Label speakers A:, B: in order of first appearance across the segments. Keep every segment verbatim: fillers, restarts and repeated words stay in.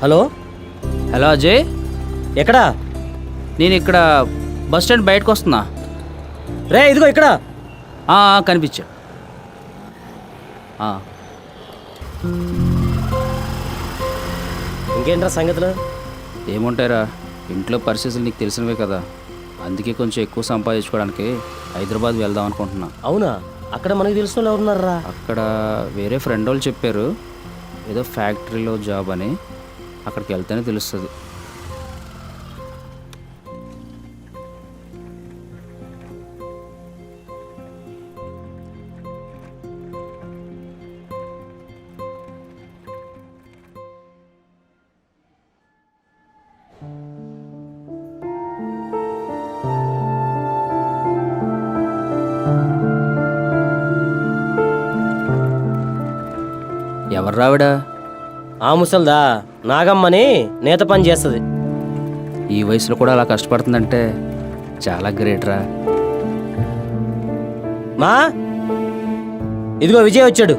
A: Hello
B: hello Ajay,
A: ఎక్కడా?
B: నేను ఇక్కడ బస్ స్టాండ్ బయటకు వస్తున్నా.
A: రే ఇదిగో ఇక్కడ.
B: కనిపించా.
A: ఇంకేంట్రా సంగతులు?
B: ఏముంటారా, ఇంట్లో పరిస్థితులు నీకు తెలిసినవే కదా. అందుకే కొంచెం ఎక్కువ సంపాదించుకోవడానికి హైదరాబాద్ వెళ్దాం అనుకుంటున్నా.
A: అవునా? అక్కడ మనకు తెలిసిన వాళ్ళు ఎవరున్నారా?
B: అక్కడ వేరే ఫ్రెండ్ వాళ్ళు చెప్పారు, ఏదో ఫ్యాక్టరీలో జాబ్ అని. అక్కడికి వెళ్తేనే తెలుస్తుంది. ఎవరు రావిడా?
A: ఆ ముసల్దా, నాగమ్మని నేత పని చేస్తుంది.
B: ఈ వయసులో కూడా అలా కష్టపడుతుందంటే చాలా గ్రేట్ రా.
A: మా ఇదిగో విజయ్ వచ్చాడు.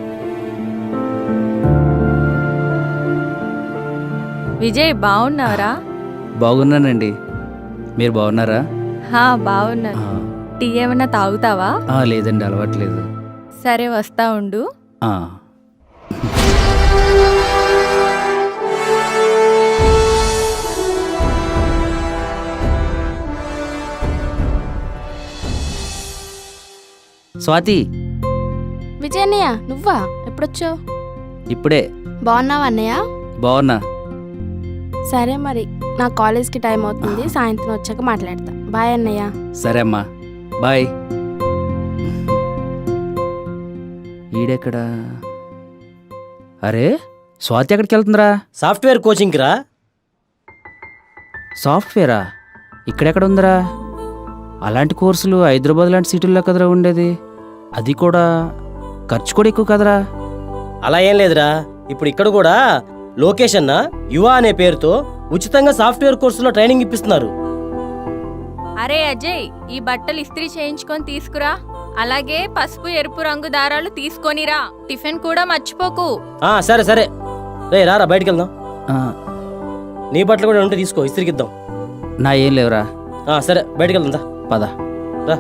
C: విజయ్ బాగున్నారా?
B: బాగున్నానండి, మీరు బాగున్నారా?
C: బాగున్నాను. టీ ఏమన్నా తాగుతావా?
B: లేదండి, అలవాట్లేదు.
C: సరే వస్తా ఉండు.
B: స్వాతి.
D: విజయ్ అన్నయ్య, నువ్వా? ఎప్పుడొచ్చావు?
B: ఇప్పుడే.
D: బాగున్నావా అన్నయ్య?
B: బాగున్నా.
D: సరే మరి, నా కాలేజ్కి టైం అవుతుంది, సాయంత్రం వచ్చాక మాట్లాడతా. బాయ్ అన్నయ్య.
B: సరే అమ్మా, బాయ్. ఈడెక్కడా? అరే, స్వాతి ఎక్కడికి వెళ్తుందిరా?
A: సాఫ్ట్వేర్ కోచింగ్కి రా.
B: సాఫ్ట్వేరా? ఇక్కడెక్కడ ఉందిరా? అలాంటి కోర్సులు హైదరాబాద్ లాంటి సిటీల్లో కదరా ఉండేది. అది కూడా ఖర్చు కూడా ఎక్కువ కదరా.
A: అలా ఏం లేదురా, ఇప్పుడు ఇక్కడ కూడా లోకేష్ అన్న యువ అనే పేరుతో ఉచితంగా సాఫ్ట్వేర్ కోర్సులో ట్రైనింగ్ ఇప్పిస్తున్నారు.
C: అరే అజయ్, ఈ బట్టలు ఇస్త్రీ చేయించుకొని తీసుకురా. అలాగే పసుపు ఎరుపు రంగు దారాలు తీసుకొనిరా. టిఫిన్ కూడా మర్చిపోకు.
A: ఆ సరే సరే. రే రారా, బయటికి వెళ్దాం. నీ బట్టలు కూడా ఉంటే తీసుకో, ఇస్త్రీకి ఇద్దాం.
B: నా ఏం లేవురా.
A: సరే బయటికి వెళ్దా,
B: పద
A: రా.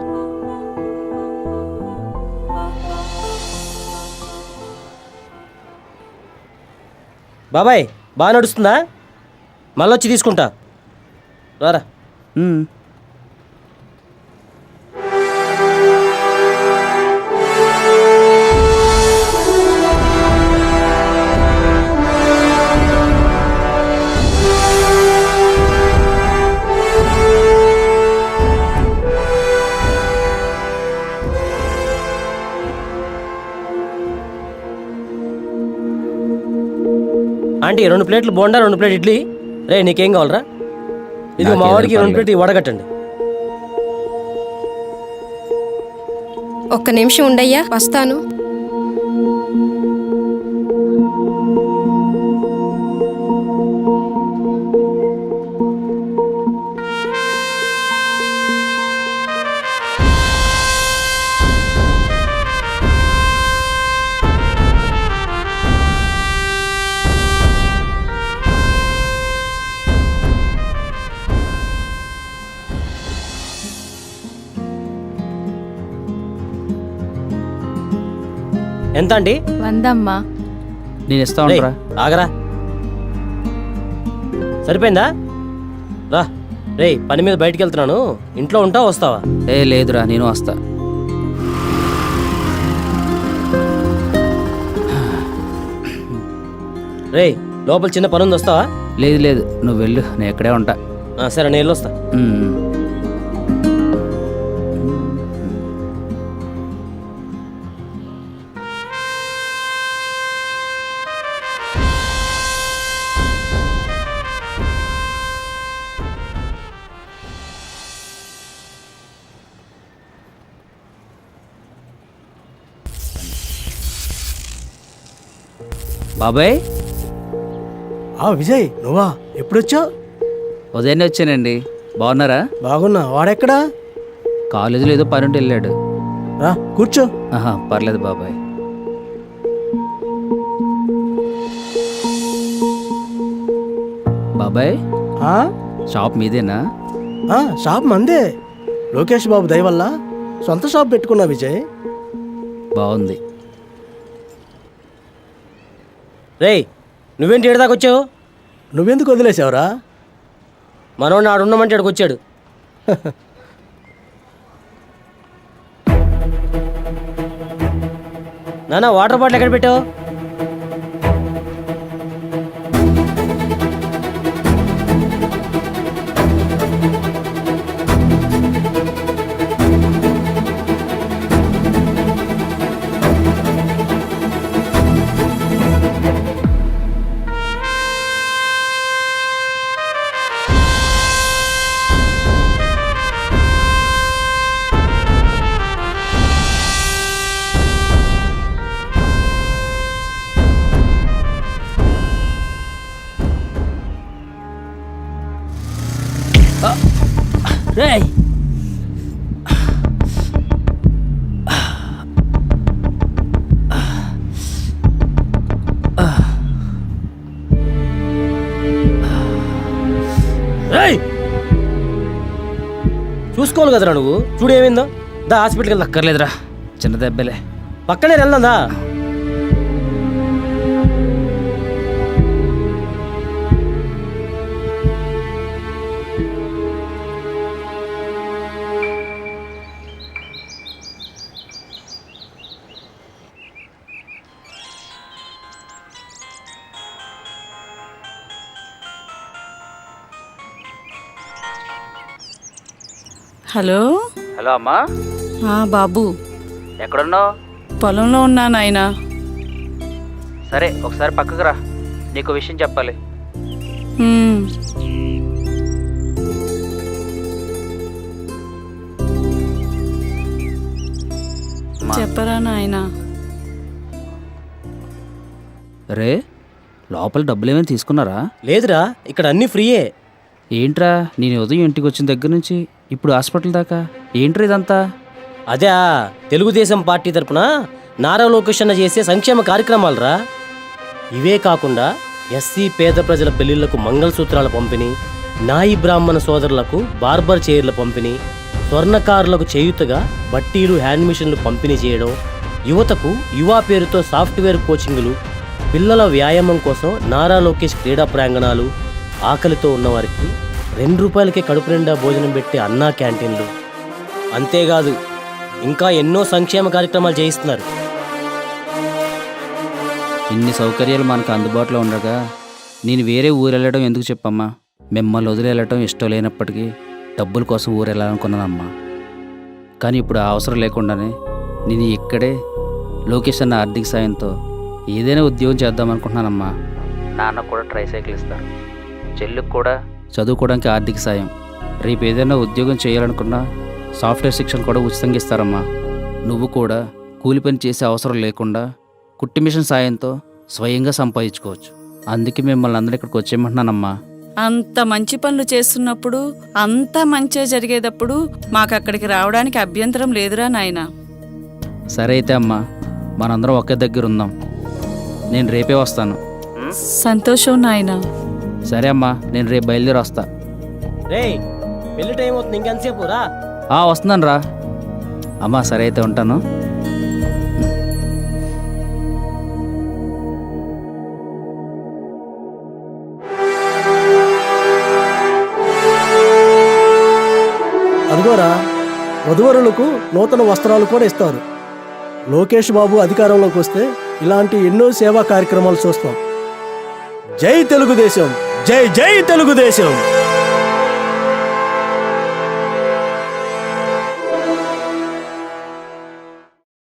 A: బాబాయ్ బాగా నడుస్తుందా? మళ్ళొచ్చి తీసుకుంటా, రారా. ఆంటీ రెండు ప్లేట్లు బోండా, రెండు ప్లేట్ ఇడ్లీ. రే నీకేం కావాలరా? ఇది మా వాడికి రెండు ప్లేట్ వడగట్టండి.
E: ఒక్క నిమిషం ఉండయ్యా, వస్తాను.
A: ఎంత అండి?
C: వందమ్మా.
B: నేను ఇస్తా ఉంటా.
A: ఆగరా, సరిపోయిందా? రా. రే పని మీద బయటికి వెళ్తున్నాను, ఇంట్లో ఉంటావా వస్తావా?
B: ఏ లేదురా, నేను వస్తా.
A: రే లోపల చిన్న పని ఉంది, వస్తావా?
B: లేదు లేదు, నువ్వు వెళ్ళు, నేను ఎక్కడే ఉంటా.
A: సరే నేను వస్తా.
B: బాబాయ్.
F: విజయ్ నువ్వా? ఎప్పుడొచ్చావు?
B: ఉదయాన్నే వచ్చానండి. బాగున్నారా?
F: బాగున్నా. వాడెక్కడా?
B: కాలేజీలో ఏదో పని ఉంటే వెళ్ళాడు.
F: రా కూర్చో.
B: ఆహా పర్లేదు బాబాయ్. బాబాయ్
F: ఆ?
B: షాప్ మీదేనా?
F: ఆ, షాప్ మందే. లోకేష్ బాబు దయ వల్ల సొంత షాప్ పెట్టుకున్నా విజయ్.
B: బాగుంది.
A: రేయ్ నువ్వేంటి ఏడు దాకా వచ్చావు?
F: నువ్వెందుకు వదిలేసావురా?
A: మనోడిని ఆడున్నామంటే ఇక్కడికి వచ్చాడు. నాన్న వాటర్ బాటిల్ ఎక్కడ పెట్టావు?
B: రేయ్
A: రేయ్ చూసుకోవాలి కదరా నువ్వు. చూడు ఏమైందో. దా హాస్పిటల్కి వెళ్దా.
B: అక్కర్లేదురా, చిన్న దెబ్బలే.
A: పక్కనే వెళ్దా.
E: హలో.
B: హలో అమ్మా,
E: ఆ, బాబు
B: ఎక్కడున్నావు?
E: పొలంలో ఉన్నా నాయనా.
B: సరే ఒకసారి పక్కకు రా, నీకు విషయం చెప్పాలి.
E: ఉమ్, చెప్పరా నాయనా.
B: రే లోపల డబ్బులు ఏమైనా తీసుకున్నారా?
A: లేదురా, ఇక్కడ అన్నీ ఫ్రీయే.
B: ఏంట్రా నేను ఉదయం ఇంటికి వచ్చిన దగ్గర నుంచి ఇప్పుడు హాస్పిటల్ దాకా ఏంట్రా ఇదంతా?
A: అదే తెలుగుదేశం పార్టీ తరపున నారా లోకేష్ అన్న చేసే సంక్షేమ కార్యక్రమాలరా. ఇవే కాకుండా ఎస్సీ పేద ప్రజల పెళ్లిళ్లకు మంగళసూత్రాల పంపిణీ, నాయి బ్రాహ్మణ సోదరులకు బార్బర్ చైర్ల పంపిణీ, స్వర్ణకారులకు చేయుతగా బట్టీలు హ్యాండ్ మిషన్లు పంపిణీ చేయడం, యువతకు యువా పేరుతో సాఫ్ట్వేర్ కోచింగులు, పిల్లల వ్యాయామం కోసం నారా లోకేష్ క్రీడా ప్రాంగణాలు, ఆకలితో ఉన్నవారికి రెండు రూపాయలకే కడుపు నిండా భోజనం పెట్టే అన్నా క్యాంటీన్లు, అంతేకాదు ఇంకా ఎన్నో సంక్షేమ కార్యక్రమాలు చేయిస్తున్నారు.
B: ఇన్ని సౌకర్యాలు మనకు అందుబాటులో ఉండగా నేను వేరే ఊరు వెళ్ళడం ఎందుకు చెప్పమ్మా? మిమ్మల్ని వదిలి వెళ్ళటం ఇష్టం లేనప్పటికీ డబ్బుల కోసం ఊరు వెళ్ళాలనుకున్నానమ్మా. కానీ ఇప్పుడు ఆ అవసరం లేకుండానే నేను ఇక్కడే లోకేష్ అన్న ఆర్థిక సాయంతో ఏదైనా ఉద్యోగం చేద్దాం అనుకుంటున్నానమ్మా. నాన్న కూడా ట్రై సైకిల్ ఇస్తారు, చెల్లికి కూడా చదువుకోవడానికి ఆర్థిక సాయం, రేపు ఏదైనా ఉద్యోగం చేయాలనుకున్నా సాఫ్ట్వేర్ శిక్షణ కూడా ఉచితంగా ఇస్తారమ్మా. నువ్వు కూడా కూలి పని చేసే అవసరం లేకుండా కుట్టి మిషన్ సాయంతో స్వయంగా సంపాదించుకోవచ్చు. అందుకే మిమ్మల్ని అందరూ ఇక్కడికి వచ్చేయమంటున్నానమ్మా.
E: అంత మంచి పనులు చేస్తున్నప్పుడు, అంత మంచిగా జరిగేటప్పుడు మాకు అక్కడికి రావడానికి అభ్యంతరం లేదురా నాయనా.
B: సరే అయితే అమ్మా, మనందరం ఒకే దగ్గర ఉందాం. నేను రేపే వస్తాను.
E: సంతోషం నాయనా.
B: సరే అమ్మా, నేను రేపు బయలుదేరి వస్తా.
A: రేయ్ పెళ్లి టైం అవుతుంది, ఇంకెంతసేపు రా.
B: ఆ వస్తున్నాను రా అమ్మా. సరే అయితే ఉంటాను.
F: అదిగోరా, వధువరులకు నూతన వస్త్రాలు కూడా ఇస్తారు. లోకేష్ బాబు అధికారంలోకి వస్తే ఇలాంటి ఎన్నో సేవా కార్యక్రమాలు చూస్తాం. జై తెలుగుదేశం, జై జై తెలుగుదేశం.